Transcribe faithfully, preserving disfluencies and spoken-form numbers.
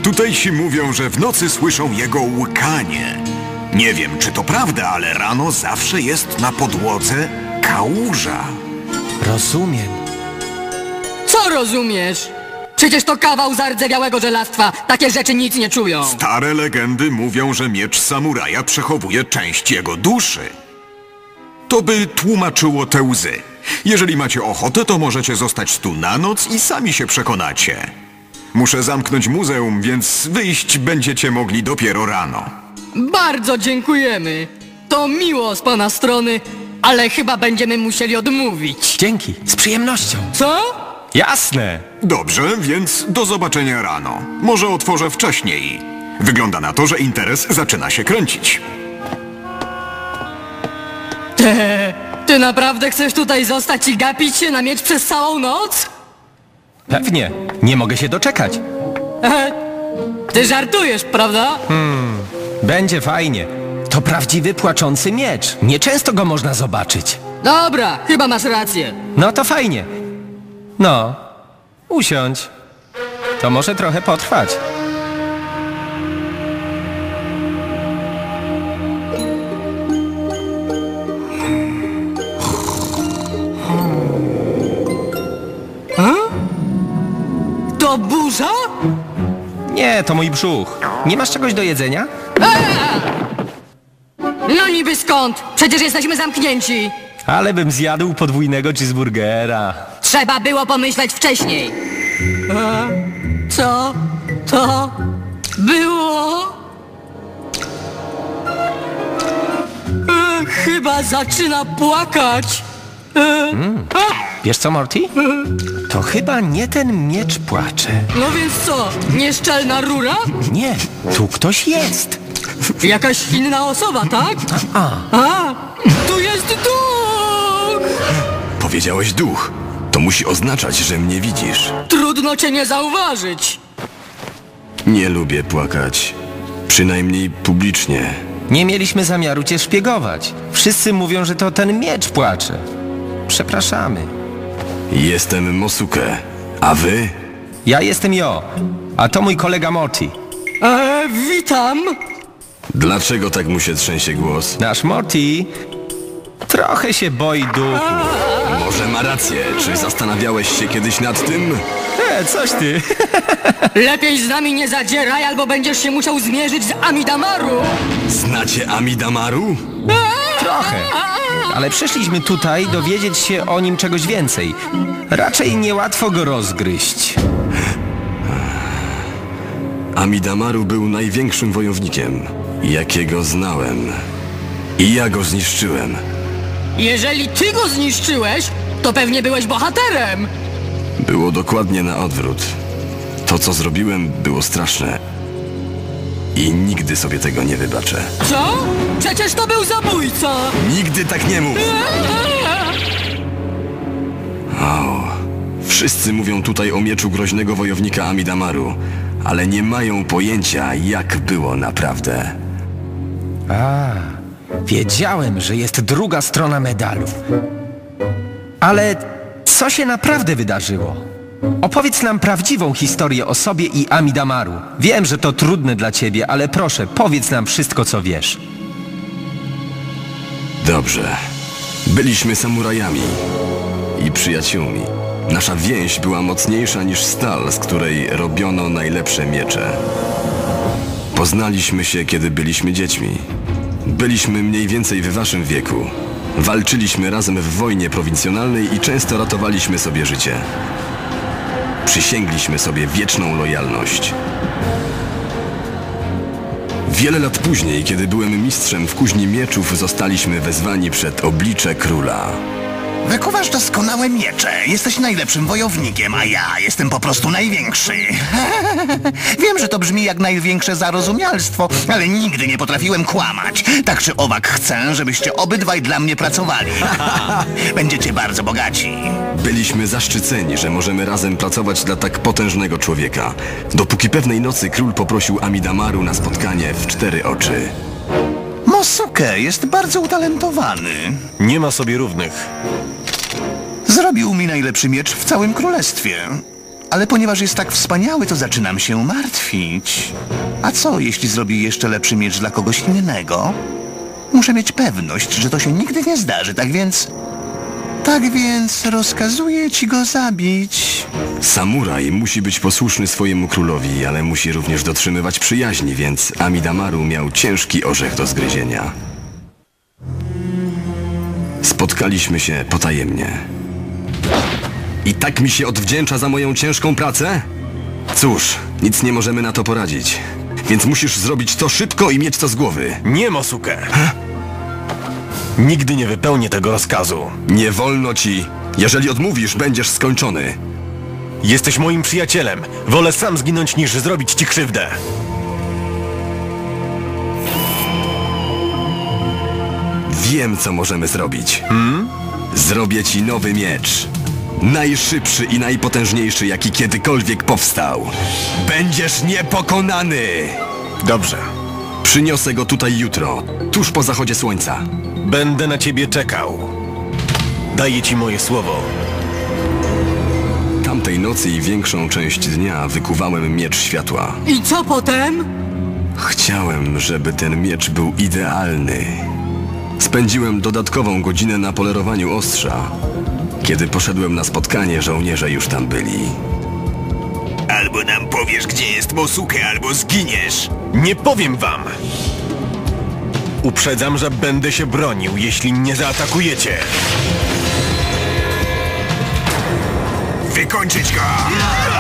Tutejsi mówią, że w nocy słyszą jego łkanie. Nie wiem, czy to prawda, ale rano zawsze jest na podłodze kałuża. Rozumiem. Co rozumiesz? Przecież to kawał zardzewiałego żelastwa. Takie rzeczy nic nie czują. Stare legendy mówią, że miecz samuraja przechowuje część jego duszy. To by tłumaczyło te łzy. Jeżeli macie ochotę, to możecie zostać tu na noc i sami się przekonacie. Muszę zamknąć muzeum, więc wyjść będziecie mogli dopiero rano. Bardzo dziękujemy. To miło z pana strony, ale chyba będziemy musieli odmówić. Dzięki, z przyjemnością. Co? Jasne. Dobrze, więc do zobaczenia rano. Może otworzę wcześniej. Wygląda na to, że interes zaczyna się kręcić. Te, ty naprawdę chcesz tutaj zostać i gapić się na miecz przez całą noc? Pewnie. Nie mogę się doczekać. E, ty żartujesz, prawda? Będzie fajnie. To prawdziwy płaczący miecz. Nieczęsto go można zobaczyć. Dobra, chyba masz rację. No to fajnie. No, usiądź. To może trochę potrwać. To burza? Nie, to mój brzuch. Nie masz czegoś do jedzenia? No niby skąd? Przecież jesteśmy zamknięci. Ale bym zjadł podwójnego cheeseburgera. Trzeba było pomyśleć wcześniej. E, co to było? E, chyba zaczyna płakać. E, a, Wiesz co, Morty? To chyba nie ten miecz płacze. no więc co? Nieszczelna rura? Nie, tu ktoś jest. Jakaś inna osoba, tak? A, A, tu jest duch! Powiedziałeś duch. To musi oznaczać, że mnie widzisz. Trudno cię nie zauważyć. Nie lubię płakać. Przynajmniej publicznie. nie mieliśmy zamiaru cię szpiegować. Wszyscy mówią, że to ten miecz płacze. Przepraszamy. Jestem Mosuke. A wy? Ja jestem Jo, a to mój kolega Morty. E, witam. Dlaczego tak mu się trzęsie głos? Nasz Morty trochę się boi duchu. Może ma rację. Czy zastanawiałeś się kiedyś nad tym? E, coś ty. Lepiej z nami nie zadzieraj, albo będziesz się musiał zmierzyć z Amidamaru. Znacie Amidamaru? Trochę. Ale przyszliśmy tutaj dowiedzieć się o nim czegoś więcej. Raczej niełatwo go rozgryźć. Amidamaru był największym wojownikiem, jakiego znałem. I ja go zniszczyłem. Jeżeli ty go zniszczyłeś, to pewnie byłeś bohaterem. Było dokładnie na odwrót. To, co zrobiłem, było straszne. I nigdy sobie tego nie wybaczę. Co? Przecież to był zabójca. Nigdy tak nie mów! O, wszyscy mówią tutaj o mieczu groźnego wojownika Amidamaru, ale nie mają pojęcia, jak było naprawdę. A, wiedziałem, że jest druga strona medalu. Ale co się naprawdę wydarzyło? Opowiedz nam prawdziwą historię o sobie i Amidamaru. Wiem, że to trudne dla ciebie, ale proszę, powiedz nam wszystko, co wiesz. Dobrze. Byliśmy samurajami i przyjaciółmi. Nasza więź była mocniejsza niż stal, z której robiono najlepsze miecze. Poznaliśmy się, kiedy byliśmy dziećmi. Byliśmy mniej więcej w waszym wieku. Walczyliśmy razem w wojnie prowincjonalnej i często ratowaliśmy sobie życie. Przysięgliśmy sobie wieczną lojalność. Wiele lat później, kiedy byłem mistrzem w kuźni mieczów, zostaliśmy wezwani przed oblicze króla. Wykuwasz doskonałe miecze. Jesteś najlepszym wojownikiem, a ja jestem po prostu największy. Wiem, że to brzmi jak największe zarozumialstwo, ale nigdy nie potrafiłem kłamać. Tak czy owak chcę, żebyście obydwaj dla mnie pracowali. Będziecie bardzo bogaci. Byliśmy zaszczyceni, że możemy razem pracować dla tak potężnego człowieka. Dopóki pewnej nocy król poprosił Amidamaru na spotkanie w cztery oczy. Mosuke jest bardzo utalentowany. Nie ma sobie równych. Zrobił mi najlepszy miecz w całym królestwie. ale ponieważ jest tak wspaniały, to zaczynam się martwić. A co, jeśli zrobi jeszcze lepszy miecz dla kogoś innego? Muszę mieć pewność, że to się nigdy nie zdarzy, tak więc... Tak więc rozkazuję ci go zabić. Samuraj musi być posłuszny swojemu królowi, ale musi również dotrzymywać przyjaźni, więc Amidamaru miał ciężki orzech do zgryzienia. Spotkaliśmy się potajemnie. I tak mi się odwdzięcza za moją ciężką pracę? Cóż, nic nie możemy na to poradzić. Więc musisz zrobić to szybko i mieć to z głowy. Nie, Mosuke. Nigdy nie wypełnię tego rozkazu. Nie wolno ci. Jeżeli odmówisz, będziesz skończony. Jesteś moim przyjacielem. Wolę sam zginąć, niż zrobić ci krzywdę. Wiem, co możemy zrobić. Hmm? Zrobię ci nowy miecz. Najszybszy i najpotężniejszy, jaki kiedykolwiek powstał. Będziesz niepokonany! Dobrze. Przyniosę go tutaj jutro, tuż po zachodzie słońca. Będę na ciebie czekał. Daję ci moje słowo. Tamtej nocy i większą część dnia wykuwałem miecz światła. I co potem? Chciałem, żeby ten miecz był idealny. Spędziłem dodatkową godzinę na polerowaniu ostrza. Kiedy poszedłem na spotkanie, żołnierze już tam byli. Albo nam powiesz, gdzie jest Mosuke, albo zginiesz. Nie powiem wam! Uprzedzam, że będę się bronił, jeśli nie zaatakujecie. Wykończyć go!